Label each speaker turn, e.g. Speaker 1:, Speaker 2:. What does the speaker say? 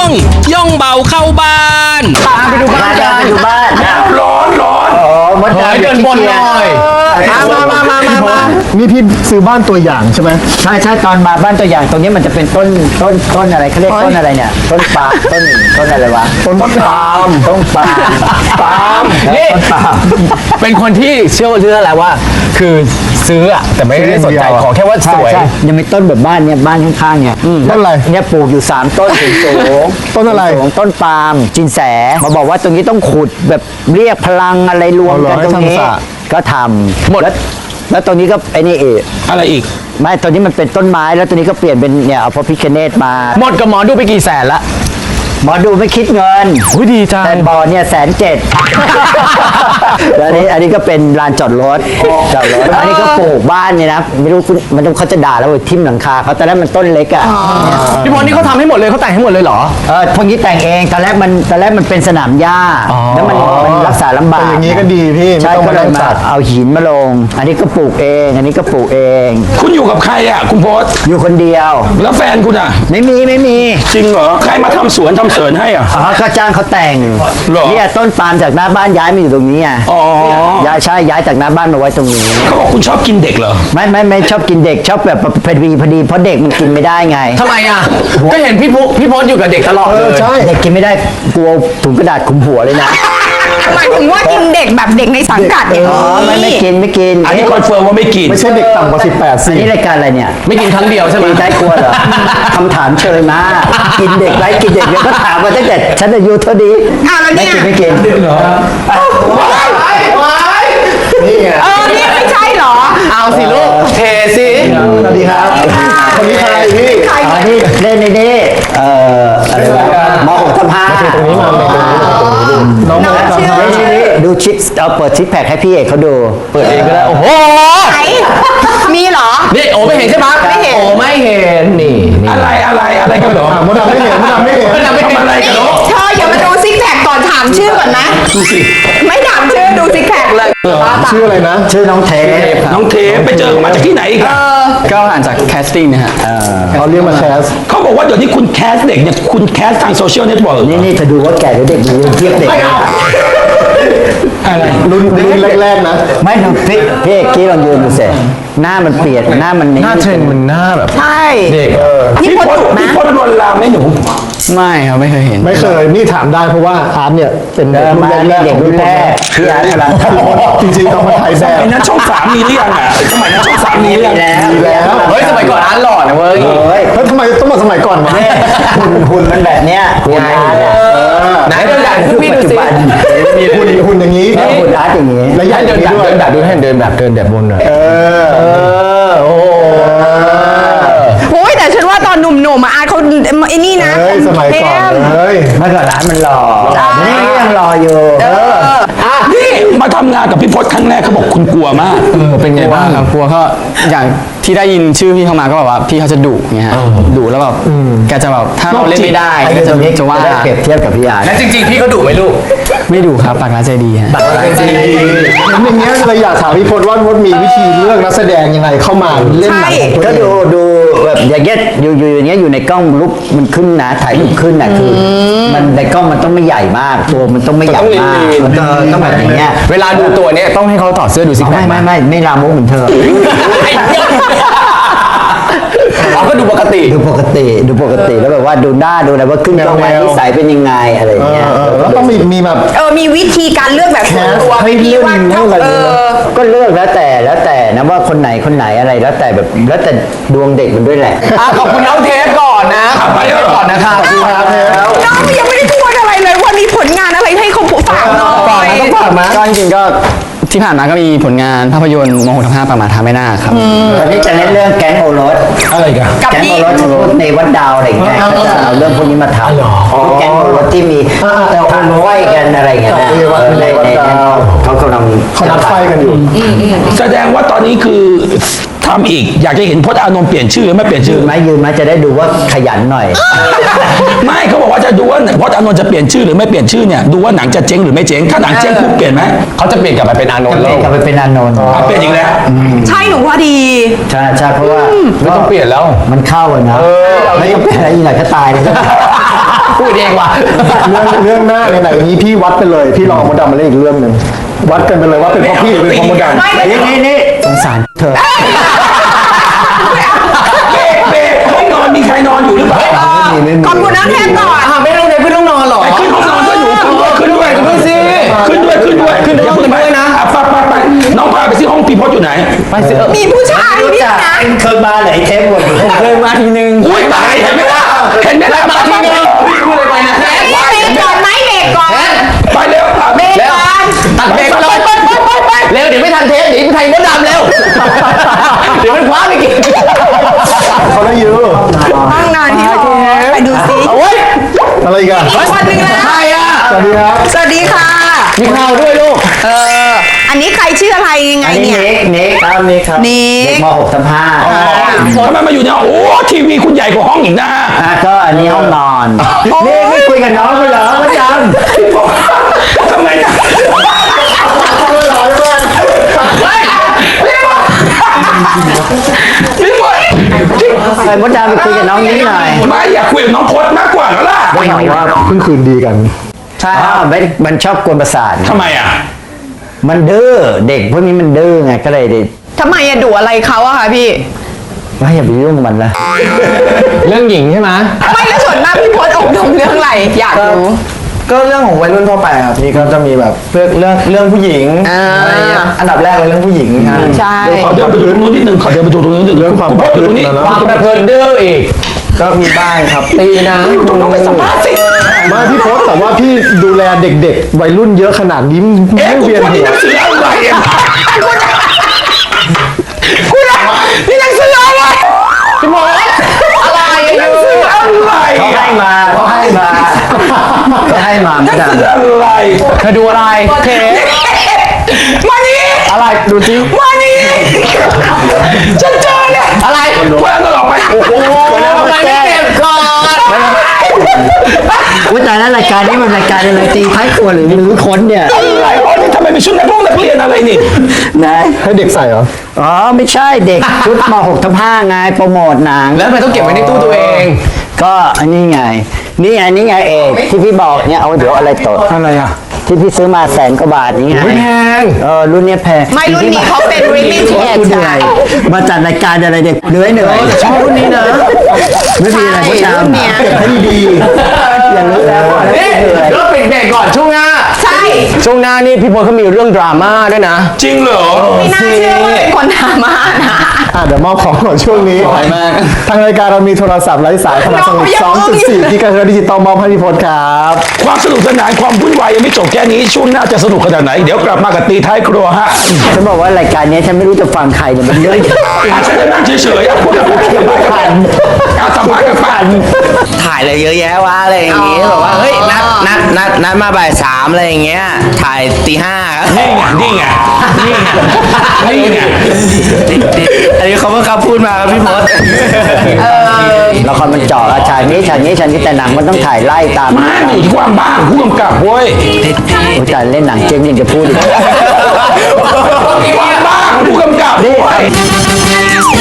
Speaker 1: ย่องเบาเข้าบ้าน
Speaker 2: ไปดูบ้านกันไปดูบ้านร้อนมดดำเดินบนหน่อยมา
Speaker 3: นี่พี่ซื้อบ้านตัวอย่างใช่ไหม
Speaker 2: ใช่ตอนมาบ้านตัวอย่างตรงนี้มันจะเป็นต้นอะไรเขาเรียกต้นอะไรเนี่ยต้นปาล์มต้นอะไรวะต้นปาล์ม
Speaker 4: นี่เป็นคนที่เชื่ออะไรว่าคือซื้ออะแต่ไม่ได้สนใจขอแค่ว่าสวย
Speaker 2: ยังมีต้นแบบบ้านเนี่ยบ้านข้างๆเนี่ย
Speaker 3: ต้นอะไร
Speaker 2: เนี่ยปลูกอยู่3ต้นสูง
Speaker 3: ต้นอะไร
Speaker 2: ต้นปาล์มจินแสมาบอกว่าตรงนี้ต้องขุดแบบเรียกพลังอะไรรวมกันตรงนี้ก็ทำหมดแล้วตรงนี้ก็ไอ้นี่
Speaker 1: อะไรอีก
Speaker 2: ไม่ตอนนี้มันเป็นต้นไม้แล้วตัวนี้ก็เปลี่ยนเป็นเนี่ยเอาพระพิฆเนศมา
Speaker 4: หมดกับหมอดูไปกี่แสนละ
Speaker 2: หมอดูไม่คิดเงิน
Speaker 4: ดีจัง
Speaker 2: แต่บ่อเนี่ย170,000แล้วอันนี้ก็เป็นลานจอดรถอันนี้ก็ปลูกบ้านเนี่ยนะไม่รู้มันเขาจะด่าแล้วทิ่มหลังคาเขาแต่แรกมันต้นเล็กอ่ะ
Speaker 4: พี่พลนี่เขาทำให้หมดเลยเขาแต่งให้หมดเลยเหรอ
Speaker 2: พวกนี้แต่งเองตอนแรกมันเป็นสนามหญ้าแล้วมันรักษาลำบาก
Speaker 3: อย่างนี้ก็ดีพี่
Speaker 2: ใช่ก็เลยมาเอาหินมาลงอันนี้ก็ปลูกเองอันนี้ก็ปลูกเอง
Speaker 1: คุณอยู่กับใครอ่ะคุณโพส
Speaker 2: อยู่คนเดียว
Speaker 1: แล้วแฟนคุณอ่ะ
Speaker 2: ไม่มี
Speaker 1: จริงเหรอใครมาทำสวนทำเสริญให้อ่ะ
Speaker 2: ก็จ้างเขาแต่งเนี่ยต้นปาล์มจากหน้าบ้านย้ายมาอยู่ตรงนี้อ่ะย้ายจากหน้าบ้านมาไว้ตรงนี้
Speaker 1: เขาบอกคุณชอบกินเด็กเหรอ
Speaker 2: ไม่ชอบกินเด็กชอบแบบพอดีเพราะเด็กมันกินไม่ได้ไง
Speaker 4: ทำไมอ่ะก็เห็นพี่พจน์อยู่กับเด็กตลอดเลย
Speaker 2: ใช่เด็กกินไม่ได้กลัวถุงกระดาษคลุมหัวเลยนะ
Speaker 5: หมายถึงว่ากินเด็กแบบเด็กในสังกัดเนี่ย
Speaker 2: ไม่กิน
Speaker 1: อันนี้คอนเฟิร์มว่าไม่กิน
Speaker 3: ไม่ใช่เด็กต่ำกว่า18
Speaker 2: สิอันนี้รายการอะไรเนี่ย
Speaker 4: ไม่กินครั้งเดียวใช่ไหม
Speaker 2: ใจกลัวเหรอคำถามเชยมากกินเด็กไรกินเด็กเนี่ยก็ถามมาตั้งแต่ฉันอายุเท่านี้ไม่กิน
Speaker 1: เหรอ
Speaker 5: นี่ไงนี่ไม่ใช่เหรอ
Speaker 4: เอาสิลูกเทสิ
Speaker 3: สวัสดีครับคนนี้ใครพี่
Speaker 2: นี่เล่นนี่อะไรวะม.6 ทับ 5ตรงนี้มาน้องดูชิคเอาเปิดชิคแพคให้พี่เอกเขาดู
Speaker 4: เปิดเองก็ได้โอ้โห
Speaker 5: มีเหรอ
Speaker 4: นี่โอ้ไม่เห็นใช่ไหม
Speaker 5: ไม่เห็น
Speaker 4: โอ้ไม่เห็นนี่
Speaker 1: อะไรกันเหรอ
Speaker 3: มดดำไม่เห็น
Speaker 1: ทำอะไรกันเนาะ
Speaker 5: เธออย่ามาดูซิกแพคก่อนถามชื่อก่อนนะ
Speaker 1: ดูสิ
Speaker 5: ไม่ถามชื่อดูซิกแพคเลย
Speaker 3: ชื่ออะไรนะ
Speaker 2: ชื่อน้องเท
Speaker 1: ปไปเจอมาจากที่ไหนครับ
Speaker 4: ก็อ่านจากแคสติ้งนะฮะ
Speaker 3: เขาเรียกมาแคส
Speaker 1: เขาบอกว่าเดี๋ยวนี้คุณแคสเด็กเนี่ยคุณแคสทางโซเชียลเน็ตเวิร์ก
Speaker 2: นี่จะดูว่าแก่หรือเด็กดูเทียบเด็ก
Speaker 1: อะไร
Speaker 3: รุ่นแรกๆนะ
Speaker 2: ไม่ดูพี่กี้ลองยืนดูสิหน้ามันเปลี่ยนหน้ามัน
Speaker 4: หน้าเทรนมันหน้าแบบ
Speaker 5: ใช่
Speaker 4: เด็ก
Speaker 5: พี่พ
Speaker 1: ลลวนลามไหมหนู
Speaker 4: ไม่ครับไม่เคยเห็น
Speaker 3: ไม่เคยนี่ถามได้เพราะว่าอาร์ตเนี่ยเป็นเด็กรุ่นแรก
Speaker 2: พี่อาร์ตกำลัง
Speaker 3: จริงๆต้องมาถ่ายแบบ
Speaker 1: นั้นช่อง3มีหรือยังอ่ะสมัยนั้นช่อง3มีหรือยัง
Speaker 3: มีแล้ว
Speaker 4: เฮ้ยสมัยก่อนอาร์ตหล่อนะเว้ย
Speaker 3: แล้วทำไมต้องมาสมัยก่อนวะ
Speaker 2: หุ่นมันแบบเนี้ยหุ่นอาร์ต
Speaker 4: ไหนเดินแบบพี่ดูสิ
Speaker 3: มีหุ่นอย่างนี้
Speaker 2: หุ่นอาร์ตอย่างนี้
Speaker 3: แล้วยันเดิน
Speaker 4: แบบดูให้เดินแบบบนหน่อย
Speaker 2: โอ้
Speaker 5: โอ้ยแต่ฉันว่าตอนหนุ่มๆอาร์ตเขาไอ้นี่นะ
Speaker 3: สมัยก่อนเลย
Speaker 2: เมื่อก่อนร้านมันหล่อนี่ยังรออยู่
Speaker 1: นี่มาทำงานกับพี่พจน์ครั้งแรกเขาบอกคุณกลัวมาก
Speaker 4: เป็นไงบ้างครับกลัวก็อย่างที่ได้ยินชื่อพี่เข้ามาก็แบบว่าพี่เขาจะดุไงฮะดุแล้วแบบแกจะแบบถ้าเราเล่นไม่ได้ก็จะว่า
Speaker 2: เปรียบเทียบกับพี่อาร์ต
Speaker 4: แล้วจริงๆพี่เขาดุไหมลูกไม่ดุครับปากร้ายใจดีฮะ
Speaker 3: ปากร้ายใจดีอย่างเงี้ยเลยอยากถามพี่พจน์ว่ามดมีวิธีเลือกนักแสดงยังไงเข้ามาเล่นหนัง
Speaker 2: ก็ดูแบบอย่างเงี้ยอย่างเงี้ยอยู่ในกล้องรูปมันขึ้นนะถ่ายรูปขึ้นนะคือมันในกล้องมันต้องไม่ใหญ่มากตัวมันต้องไม่ใหญ่มากมันต้องแบบอย่างเงี้ย
Speaker 4: เวลาดูตัวเนี้ยต้องให้เขาถอดเสื้อดูสิ
Speaker 2: ไม่ลามกเหมือนเธอ
Speaker 4: ก็ดูปกติ
Speaker 2: แล้วแบบว่าดูหน้าดูอะไรว่าขึ้นกล้องมานิสัยเป็นยังไงอะไรอย่างเงี้ย
Speaker 3: แล้วต้องมีแบบ
Speaker 5: มีวิธีการเลือกแบบส่วนตัว
Speaker 3: ให้เลือกอะไร
Speaker 2: ก็เลือกแล้วแต่นะว่าคนไหนอะไรแล้วแต่แบบแล้วแต่ดวงเด็กมันด้วยแหละ
Speaker 4: ขอบคุณน้องเทปก่อนนะ
Speaker 1: ไป
Speaker 4: ก่อนนะครับ
Speaker 5: น้องยังไม่ได้พูดอะไรเลยว่ามีผลงานอะไรให้เขาฝากหน่อย
Speaker 4: ต้องฝากมาก็จริงๆก็ที่ผ่านมาก็มีผลงานภาพยนตร์ม.6 ทับ 5 ประมาทาไม่น่าครับ
Speaker 2: ตอนนี้จะเล่นเรื่องแก๊งโอรส
Speaker 1: อะไรกัน
Speaker 2: แก๊งโอรสจะพูดในวัดดาวอะไรอย่างเงี้ยจะเอาเรื่องพวกนี้มาทำแก๊งโอรสที่มีทางไฟกันอะไรอย่างเงี้ยในเขากำลัง
Speaker 3: นัดไฟกันอยู่
Speaker 1: แสดงว่าตอนนี้คือทำอีกอยากจะเห็นพจน์อานนท์เปลี่ยนชื่อไม่เปลี่ยนชื่อ
Speaker 2: ยืนไหมจะได้ดูว่าขยันหน่อย
Speaker 1: ไม่เขาบอกว่าจะดูว่าพจน์อานนท์จะเปลี่ยนชื่อหรือไม่เปลี่ยนชื่อเนี่ยดูว่าหนังจะเจ๊งหรือไม่เจ๊งถ้าหนังเจ๊งคุณเปลี่ยนไหม
Speaker 4: เขาจะเปลี่ยนกลับไปเป็นอานนท์แล้ว
Speaker 2: กลับไปเป็นอานนท์
Speaker 1: เปลี่ยนอีกแล้ว
Speaker 5: ใช่หนูว่าดี
Speaker 2: ใช่เพราะว่า
Speaker 4: ไม่ต้องเปลี่ยนแล้ว
Speaker 2: มันเข้าอะนะไม่ต้องเปลี่ยนอะไรอีกหน่อยก็ตายเลยพูดเองว่ะ
Speaker 3: เรื่องหน้าไหนๆนี้พี่วัดไปเลย พี่ลองมดดำมาเล่นอีกเรื่องหนึ่งวัดกันไปเลยว่าเป็นเพราะพี่หรือเป็นเพราะมดดำ
Speaker 2: นี่สงสารเธอ
Speaker 1: เบรกห้องนอนมีใครนอนอยู่หรือเปล่า
Speaker 5: ขอบคุณน้องแทนก่อน
Speaker 2: ไม่ต้องเดินขึ้นต้องนอนหรอ
Speaker 1: ขึ้นห้องนอนก็อยู่ขึ้นด้วยขึ้นด้วยขึ้นห้องกันด้วยนะไปน้องพาไปซิห้องพี่พจน์อยู่ไหน
Speaker 5: มีผู้ชายนี่นะ
Speaker 2: เคยมาไหนเทปหมดเคยมาทีนึง
Speaker 1: อุ้ยตายเห็นไหมล่ะมาทีนึงพูดอะไรไปนะ
Speaker 5: เบรกก่อนไหมเบรกก่อน
Speaker 1: ไปเร็ว
Speaker 5: เบรกก่อน
Speaker 2: ตัดเบรกไปเลยเร็วเดี๋ยวไม่ทันเทปเดี๋ยวไทยมดดำเร็วเดี๋ยวมันคว้าไปกิน
Speaker 3: เขาได้ยื้อ
Speaker 5: ห้องนอนพี่พจน์ไปดูซิ
Speaker 2: โอ้ย
Speaker 3: อะไรอีกัน
Speaker 5: อีกคนนึงแล้ว
Speaker 2: ใครอ่ะ
Speaker 3: สวัสดีครับ
Speaker 5: สวัสดีค่ะ
Speaker 2: มีข่าวด้วยลูก
Speaker 5: อันนี้ใครชื่ออะไรยังไง
Speaker 2: อันนี้
Speaker 5: เนี่ย
Speaker 2: เน็กครับเน็กครับ
Speaker 5: เน็ก
Speaker 2: เด็กม .6/5
Speaker 1: ทำไมมาอยู่เนี่ยโอ้ทีวีคุณใหญ่กว่าห้องอีกนะ
Speaker 2: ก็อันนี้ห้องนอนนี่ไม่คุยกับน้องเลยเหรอประจ
Speaker 1: ทำไมนะ พี่พจน์
Speaker 2: ำไปมดดำไปคุยกับน้องนี้หน่อย
Speaker 1: ไม่อยากคุยกับน้องพจน์มากกว่าแล้วล่ะ
Speaker 3: ได้ข่าวว่าเพิ่งคืนดีกัน
Speaker 2: ใช่มันชอบกวนประสาท
Speaker 1: ทำไมอ่ะ
Speaker 2: มันดื้อเด็กพวกนี้มันดื้อไงก็เลย
Speaker 5: ทำไมอะดุอะไรเขาอะคะพี่
Speaker 2: ไม่อย่าไปยุ่งมันละ
Speaker 4: เรื่องหญิงใช่ไหม
Speaker 5: ไม่แล้วส่วนมากพี่พจน์อบรมเรื่องอะไร อยากรู้
Speaker 4: ก็เรื่องของวัยรุ่นทั่วไปครับพี่ก็จะมีแบบเรื่องผู้หญิง
Speaker 5: อะไรเงี้ย
Speaker 4: อันดับแรกเลยเรื่องผู้หญิงครับ
Speaker 5: ใช่
Speaker 1: ขอเดินไปดูตรงนู้นนิดนึงขอเดินไปดูตรงนู้นนิดนึง
Speaker 3: เรื่องความประพฤติ
Speaker 1: ตรงนี้
Speaker 3: นะ
Speaker 4: ความประพฤติดื้ออีก ก็มีบ้างครับตีนะ
Speaker 1: ตรงนู้นไปสัมภาษณ์สิ
Speaker 3: ไมาพี่พศแต่ว่าพี่ดูแลเด็กๆ วัยรุ่นเยอะขนาดนี้
Speaker 1: เอ๊ะ
Speaker 3: ไม่
Speaker 1: คุณ
Speaker 3: เวียน
Speaker 1: พจน์
Speaker 3: หั
Speaker 1: นี่
Speaker 3: ว
Speaker 1: หนังสืออะไรอ่ะคุณนี่หนังสืออะไรพี่พจน์อะไรหนังสืออะไร
Speaker 2: เขาให้มาเขาให้มา
Speaker 1: หนัง
Speaker 2: ไม่ได้
Speaker 1: สืออะไร
Speaker 4: เธอดูอะไรเท
Speaker 1: มานี่
Speaker 4: อะไรดูจริง
Speaker 1: มานี่ฉันเจอเนี่ยอะไรเพื่อนก็ออกไปโอ้โห
Speaker 2: ทำไมไม่เก็บก่อนว่าแต่แล้วรายการนี้มันรายการอะไรตีท้ายครัวหรือค้นเนี่ย
Speaker 1: อะไรอ๋อนี่ทำไมเป็นชุดนักเรียนอะไรนี่
Speaker 2: นะ
Speaker 3: ให้เด็กใส่เหรอ
Speaker 2: อ๋อไม่ใช่เด็กชุดม .6/5 ไงโปรโมทหนัง
Speaker 4: แล้วทำไมต้องเก็บไว้ในตู้ตัวเอง
Speaker 2: ก็อันนี้ไงนี่ไงเอกที่พี่บอกเนี่ยเอาเดี๋ยวอะไรตด
Speaker 3: อะไรอ่ะ
Speaker 2: ที่พี่ซื้อมา100,000 กว่าบาทนี่ไง
Speaker 3: แพง
Speaker 2: รุ่นเนี้ยแพง
Speaker 5: ไม่รุ่นนี้เขาเป็น limited
Speaker 2: กูเหนื่อยมาจัดรายการอะไรเด็กเหนื่อยชอบรุ่นนี้นะไม่มีอะไรก็ตาม
Speaker 5: รุ่นเนี้ย
Speaker 3: ให้ดี
Speaker 2: อย่างรู้แล้วว่า
Speaker 4: นี่
Speaker 2: เหนื่อย
Speaker 4: เดี๋ยวปิดเบรกก่อนช่วงหน้า
Speaker 5: ใช่
Speaker 4: ช่วงหน้านี่พี่พลเขามีเรื่องดราม่าด้วยนะ
Speaker 1: จริงเหรอ
Speaker 5: ไม่น่าเชื่อว่าเป็นคนดราม่านะ
Speaker 3: เดี๋ยวมอบของก่อนช่วงนี้
Speaker 4: มาก
Speaker 3: ทางรายการเรามีโทรศัพท์ไร้สายขนาดสมุด 2.4 กิกะเฮิรตซ์ดิจิตอลมอบให้พี่พศครับ
Speaker 1: ความสนุกสนานความวุ่นวายยังไม่จบแค่นี้ช่วงหน้าจะสนุกขนาดไหนเดี๋ยวกลับมากับตีท้ายครัวฮะ
Speaker 2: ฉันบอกว่ารายการนี้ฉันไม่รู้จะฟังใครเนี่ยมันเยอะ
Speaker 1: ฉันจะนั่งเฉยๆอ่ะพูดกับการสัมภาษณ์กับป้า
Speaker 6: ถ่ายอะไรเยอะแยะวะอะไรอย่างงี้แบบว่าเฮ้ยนัดมาบ่าย 3อะไรอย่างเงี้ยถ่ายตี 5
Speaker 1: นี่ไงนี่ไง
Speaker 6: อันนี้เขาเพิ่งเขาพูดมาครับพี่พศ
Speaker 2: ละครมันเจาะฉากนี้แต่หนังมันต้องถ่ายไล่ตาม
Speaker 1: มาอยู่ที่ความบ้าของผู้กำกับเว้ย
Speaker 2: โอ้ยแต่เล่นหนังเจ๊งยังจะพูดอีก
Speaker 1: ความบ้าของผู้กำกับเว้ย